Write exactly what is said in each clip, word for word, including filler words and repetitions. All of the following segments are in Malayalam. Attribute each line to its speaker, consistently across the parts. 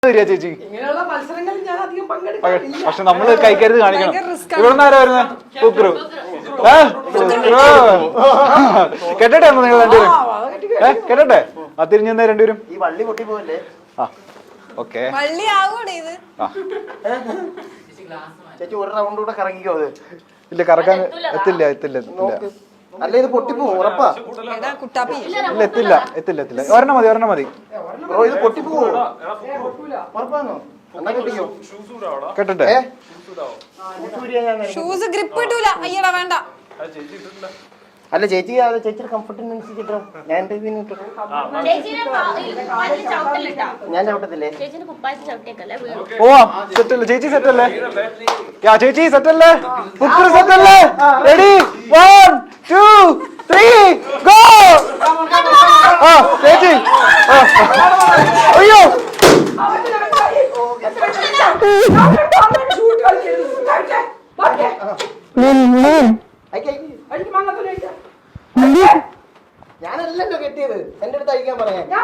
Speaker 1: ചേച്ചി
Speaker 2: ഇങ്ങനെയുള്ള മത്സരങ്ങളിൽ ഞാൻ അധികം പങ്കെടുക്കാറില്ല.
Speaker 1: പക്ഷെ നമ്മള് കൈക്കരുത് കാണിക്കണം. ഇവിടെ ആരാ വരുന്നത്? ഫുക്രു. കെട്ടട്ടെ നിങ്ങൾ രണ്ടുപേരും? ഏഹ് കെട്ടട്ടെ? ആ തിരിഞ്ഞു രണ്ടുപേരും.
Speaker 3: ഈ വള്ളി പൊട്ടി പോവല്ലേ?
Speaker 1: ആ ഓക്കെ.
Speaker 3: ചേച്ചി ഒരു റൗണ്ട് കൂടെ കറങ്ങിക്കോ. അത്
Speaker 1: ഇല്ല കറക്കാൻ എത്തില്ല എത്തില്ല എത്തില്ല.
Speaker 3: അല്ല ഇത് പൊട്ടിപ്പോവും ഉറപ്പാ.
Speaker 1: ഇല്ല എത്തില്ല എത്തില്ല എത്തില്ല. ഒരെണ്ണം മതി ഒരെണ്ണം മതി.
Speaker 3: ബ്രോ ഇത് പൊട്ടിപ്പോവോ? ഉറപ്പാണോ? എന്നാ കെട്ടിക്കോ.
Speaker 1: കെട്ടട്ടെ?
Speaker 4: ഷൂസ് ഗ്രിപ്പ് കിട്ടൂല. അയ്യടാ വേണ്ട.
Speaker 3: അല്ല ചേച്ചി ചേച്ചിയുടെ കംഫർട്ടിനനുസരിച്ചിട്ടോ. ഞാൻ ഞാൻ ചവിട്ടത്തില്ലേ?
Speaker 1: ഓ സെറ്റല്ലേ ചേച്ചി? സെറ്റല്ലേ ചേച്ചി? സെറ്റല്ലേ? ഫുക്രു സെറ്റല്ലേ? Ready one two three go. ആ ചേച്ചി അയ്യോ
Speaker 3: ഞാനല്ലല്ലോ കെട്ടിയത്. എന്റെ അടുത്ത് അയക്കാൻ പറയാം. ഞാൻ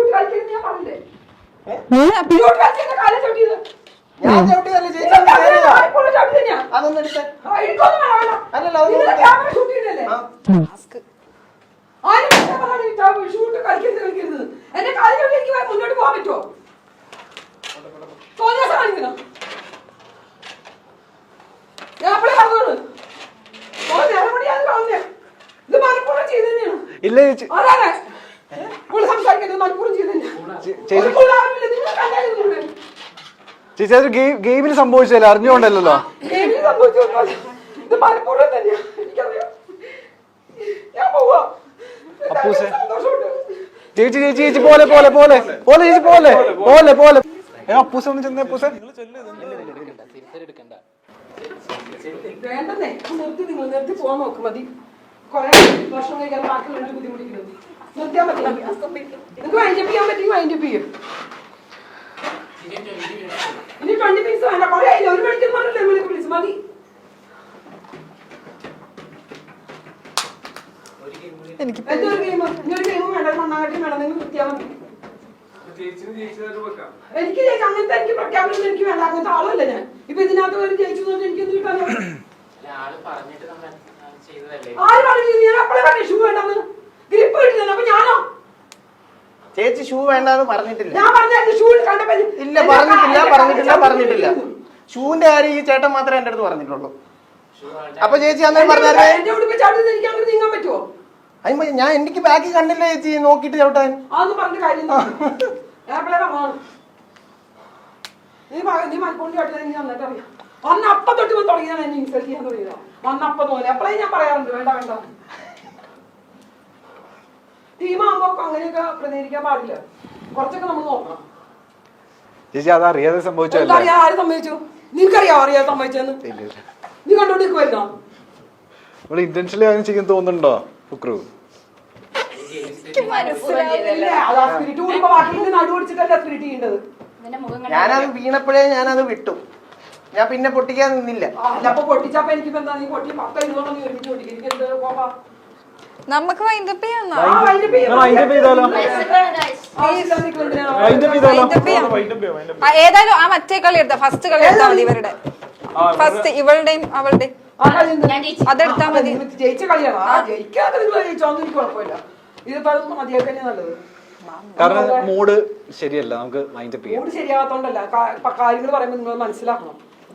Speaker 3: ചവിട്ടിയതല്ലേ ചേച്ചി? അതൊന്നും എടുത്ത അല്ലല്ലോ
Speaker 2: എന്റെ കാലിലേക്ക് മുന്നോട്ട് പോകാൻ പറ്റുമോ? തോന്നിയാസം കാണിക്കണം. ഞാൻ അപ്പളെ പറഞ്ഞോളൂ. ഇത് മനഃപൂർവ്വം ചെയ്ത് തന്നെയാണ്.
Speaker 1: ഇല്ല ചേച്ചി
Speaker 2: സംസാരിക്കുന്നത് മനഃപൂർവ്വം ചെയ്ത് തന്നെയാണ്.
Speaker 1: ചേച്ചി അതൊരു ഗെയിമിൽ സംഭവിച്ചല്ലേ? അറിഞ്ഞുകൊണ്ടല്ലോ.
Speaker 2: ഗെയിമിൽ സംഭവിച്ചു. ഇത് മനഃപൂർവ്വം തന്നെയാണ്. എനിക്കറിയാം. ഞാൻ പോവാ.
Speaker 1: ചേച്ചി ചേച്ചി ചേച്ചി പോലെ പോലെ പോലെ പോലെ ചേച്ചി പോലെ പോലെ പോലെ അപ്പൂസ ഒന്ന് ചെന്നേ. അപ്പൂസ
Speaker 2: വേണ്ടെന്നേ നിർത്തി. നിങ്ങൾ നിർത്തി പോകാൻ നോക്കും. മതി. കുറെ ഭക്ഷണം കഴിക്കാൻ ബാക്കിയുള്ളവർക്ക് ബുദ്ധിമുട്ടിക്കുന്നത് നിർത്തിയാൽ മതി. നിങ്ങൾക്ക് വൈൻഡപ്പ് ചെയ്യാൻ പറ്റുമെങ്കിൽ വൈൻഡപ്പ് ചെയ്യും. ഇനി ട്വന്റി പീസ് വേണ്ട. കുറെ ആയില്ല. ഒരു മണിക്കൂർ പറഞ്ഞില്ലേ വിളിക്ക് വിളിച്ച് മതി. എന്തൊരു ഗെയിം? ഇനി ഒരു ഗെയിമും വേണ്ട. മണ്ണാകട്ടി വേണം. നിങ്ങൾ നിർത്തിയാൽ മതി. എനിക്ക് ജയിച്ചു അങ്ങനത്തെ എനിക്ക് പ്രഖ്യാപനം എനിക്ക് വേണ്ട. അങ്ങനത്തെ ആളല്ല ഞാൻ. ഇപ്പൊ ഇതിനകത്ത് വരെ ജയിച്ചു എനിക്ക് എന്ത് കിട്ടാനോ? ആര് പറഞ്ഞു? ഞാൻ അപ്പഴേ പറഞ്ഞു ഷൂ വേണ്ടെന്ന്. ഗ്രിപ്പ് കിട്ടുന്നത്. അപ്പൊ ഞാനോ?
Speaker 3: ചേച്ചി ഷൂ വേണ്ടെന്ന് പറഞ്ഞിട്ടില്ല.
Speaker 2: ഞാൻ പറഞ്ഞു ഷൂ കണ്ടപ്പോ
Speaker 3: ഇല്ല പറഞ്ഞിട്ടില്ല പറഞ്ഞിട്ടില്ല പറഞ്ഞിട്ടില്ല. ഷൂവിന്റെ കാര്യം ഈ ചേട്ടൻ മാത്രമേ എന്റെ അടുത്ത് പറഞ്ഞിട്ടുള്ളൂ. അപ്പൊ ചേച്ചി അന്നേ പറഞ്ഞാൽ
Speaker 2: എന്റെ ഉടുപ്പ് ചവിട്ടി എനിക്ക് അങ്ങനെ നീങ്ങാൻ പറ്റുമോ?
Speaker 3: അയ്യോ ഞാൻ എനിക്ക് ബാക്കി കണ്ടില്ല ചേച്ചി നോക്കിട്ട് ചവിട്ടാൻ.
Speaker 2: അതൊന്നും പറഞ്ഞ കാര്യം നീ നീ മലപ്പുറം ചവിട്ടാൻ എനിക്ക് നന്നായിട്ട് അറിയാം. അന്ന് അപ്പം തൊട്ട് തുടങ്ങിയാണ് എന്നെ ഇൻസൾട്ട് ചെയ്യാൻ തുടങ്ങിയത്. അന്നപ്പം തോന്നി. അപ്പളേ ഞാൻ പറയാറുണ്ട് വേണ്ട വേണ്ട. ടീമാകുമ്പോ അങ്ങനെയൊക്കെ പ്രതികരിക്കാൻ പാടില്ല. കുറച്ചൊക്കെ നമ്മൾ നോക്കണം.
Speaker 1: ചേച്ചി അത് അറിയാതെ സംഭവിച്ചല്ലോ.
Speaker 2: അറിയാ ആര് സംഭവിച്ചു? നിനക്കറിയാവോ അറിയാതെ സംഭവിച്ചെന്ന്? നീ കണ്ടോണ്ടിരിക്കുവായിരുന്നോ?
Speaker 1: ഇവിടെ ഇന്റൻഷനലി അങ്ങനെ ചെയ്യാൻ തോന്നുന്നുണ്ടോ ഫുക്രു?
Speaker 3: ഞാനത് വീണപ്പോഴേ ഞാനത് വിട്ടു. ഞാൻ പിന്നെ പൊട്ടിക്കാൻ നിന്നില്ല.
Speaker 4: നമുക്ക് വൈൻഡപ്പ് ചെയ്യാം. ഏതായാലും ആ മറ്റേ കളി എടുത്താ ഫസ്റ്റ് കളി എടുത്താൽ മതി. ഇവരുടെ ഫസ്റ്റ് ഇവളുടെയും അവളുടെയും അതെടുത്താ മതി.
Speaker 2: ജയിച്ച കളിയാണ്. ജയിക്കാതെ ജയിച്ചോന്നും എനിക്ക് കുഴപ്പമില്ല. ഇതിപ്പോ മതിയൊക്കെ നല്ലത്.
Speaker 1: കാരണം മൂഡ് ശരിയല്ല. നമുക്ക് മൈൻഡപ്പ് ചെയ്യാം.
Speaker 2: മൂഡ് ശരിയാകാത്തോണ്ടല്ല. കാര്യങ്ങൾ പറയുമ്പോൾ നിങ്ങൾ മനസ്സിലാക്കണം.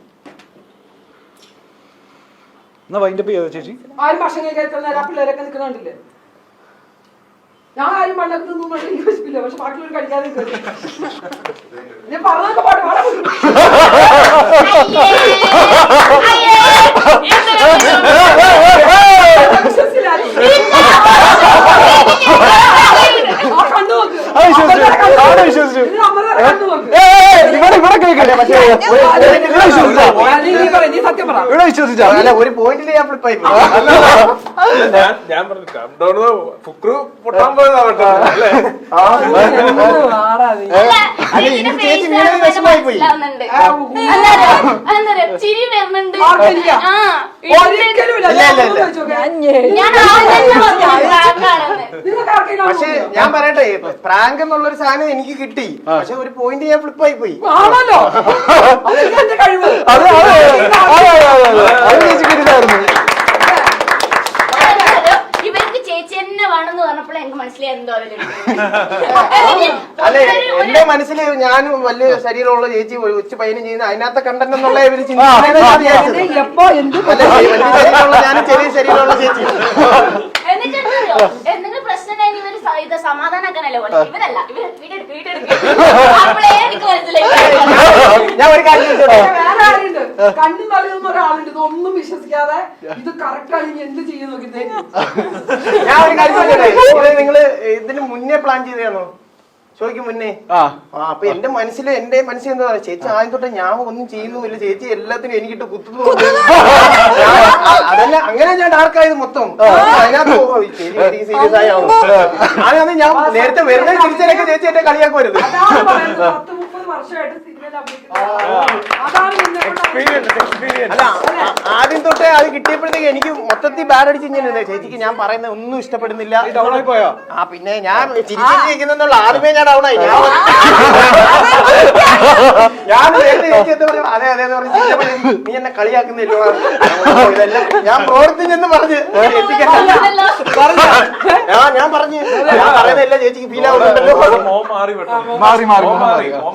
Speaker 1: എന്നാ വൈൻഡപ്പ് ചെയ്തോ ചേച്ചി?
Speaker 2: ആരും ഭക്ഷണം കഴിക്കാൻ നേരം പിള്ളേരൊക്കെ നിൽക്കുന്നുണ്ടല്ലേ? ഞാൻ ആരും പണ്ടൊക്കെ നിന്നും എനിക്ക് വിശപ്പില്ല. പക്ഷെ ബാക്കിയുള്ളവർ കഴിക്കാതെ ഞാൻ പറഞ്ഞൊക്കെ പാട്ട് പാടാൻ
Speaker 3: ഒരു പോയിന്റിൽ ഞാൻ ഫ്ലിപ്പായി.
Speaker 5: ഞാൻ പറഞ്ഞു ഫുക്രു പൊട്ടാൻ പോയതാവട്ടെ.
Speaker 3: ചേച്ചി വീണത് വിഷമായി പോയി.
Speaker 6: ചിരി വരുന്നുണ്ട്.
Speaker 2: ഒരിക്കലും നിങ്ങൾക്ക് ആർക്കെങ്കിലും
Speaker 3: പക്ഷെ ഞാൻ പറയട്ടെ പ്രാങ്ക് എന്നുള്ളൊരു സാധനം എനിക്ക് കിട്ടി പക്ഷെ ഒരു പോയിന്റ് ഞാൻ ഫ്ലിപ്പായി പോയി
Speaker 2: ആണല്ലോ അതൊക്കെ എന്റെ കഴിവ്
Speaker 1: അത് അത് അത് അത് ചേച്ചിക്ക് ഇതായിരുന്നു.
Speaker 6: ഇവർക്ക് ചേച്ചി തന്നെ വേണമെന്ന് പറഞ്ഞപ്പോൾ എനിക്ക് മനസ്സിലായിരുന്നു
Speaker 3: അല്ലെ എന്റെ മനസ്സിൽ ഞാനും വലിയ ശരീരമുള്ള ചേച്ചി ഉച്ച പയ്യനും ചെയ്യുന്ന അതിനകത്തെ കണ്ടന്റ് എന്നുള്ള ഇവര് ചിന്തിക്കുന്നത്
Speaker 2: എപ്പോ എന്ത്
Speaker 3: വലിയ ശരീരമുള്ള ഞാനും ചെറിയ ശരീരമുള്ള ചേച്ചി
Speaker 6: എന്നിട്ടെന്തറിയോ എന്തെങ്കിലും പ്രശ്നം കഴിഞ്ഞ് ഇവര് സ- ഇത് സമാധാനാക്കാനല്ലേ പോലെ ഇവരല്ല ഇവര് വീടെടുക്ക് വീടെടുക്ക് അപ്പോഴേ എനിക്ക് മനസ്സിലായി
Speaker 3: ഞാൻ ഒരു കാര്യം ചോദിച്ചോട്ടെ?
Speaker 2: വേറെ ആരുണ്ട് കണ്ണും തലയൊന്നും ഒരാളുണ്ട് ഇതൊന്നും വിശ്വസിക്കാതെ ഇത് കറക്റ്റ് ആണെങ്കിൽ എന്ത് ചെയ്യും നോക്കി
Speaker 3: ഞാൻ ഒരു കാര്യം ചോദിച്ചോട്ടെ? ഇത് നിങ്ങള് ഇതിന് മുന്നേ പ്ലാൻ ചെയ്തതാണോ ചോദിക്കും മുന്നേ
Speaker 1: ആ
Speaker 3: ആ അപ്പൊ എന്റെ മനസ്സിൽ എന്റെ മനസ്സിൽ എന്താ പറയാ ചേച്ചി ആദ്യം തൊട്ട് ഞാൻ ഒന്നും ചെയ്യുന്നുമില്ല ചേച്ചി എല്ലാത്തിനും എനിക്കിട്ട് കുത്തുന്നു അതല്ല അങ്ങനെ ഞാൻ ഡാർക്കായത് മൊത്തം അതിനകത്ത് സീരിയസ് ആയാവും ഞാനത് ഞാൻ നേരത്തെ വരുന്ന തിരിച്ചൊക്കെ ചേച്ചി എന്നെ കളിയാക്കുവരുത്
Speaker 2: അതാണ് പറയുന്നത് പത്ത് മുപ്പത് വർഷമായിട്ട് സിനിമയിൽ അഭിനയിക്കുന്നത് അതാണ് നിന്നെ കൊണ്ട്
Speaker 5: എക്സ്പീരിയൻസ് എക്സ്പീരിയൻസ്
Speaker 3: അല്ല ആ- ആദ്യം തൊട്ടേ അത് കിട്ടിയപ്പോഴത്തേക്ക് എനിക്ക് മൊത്തത്തിൽ ബാഡ് അടിച്ച് ഇങ്ങനെ ചേച്ചിക്ക് ഞാൻ പറയുന്നത് ഒന്നും ഇഷ്ടപ്പെടുന്നില്ല
Speaker 1: ഡൗൺ ആയി പോയോ?
Speaker 3: ആ പിന്നെ ഞാൻ ചിരിച്ചിരിക്കുന്നുള്ള ആദ്യമേ ഞാൻ ഡൗണായി ഞാൻ ഞാൻ നേരത്തെ ചേച്ചി എന്താ പറയാ അതെ അതെ എന്ന് പറഞ്ഞ് ചിരിച്ചപ്പോഴേ നീ എന്നെ കളിയാക്കുന്നില്ലോ ഇതെല്ലാം ഞാൻ പ്രവർത്തിച്ചെന്ന് പറഞ്ഞ് ചേച്ചിക്ക് ആ ഞാൻ പറഞ്ഞു ഞാൻ പറയുന്നതല്ല ചേച്ചിക്ക് ഫീൽ ആവുന്നുണ്ടല്ലോ
Speaker 5: മോൻ മാറി പെട്ടെന്ന്
Speaker 1: മാറി മാറി
Speaker 5: മോൻ
Speaker 1: മാറി
Speaker 5: മാറി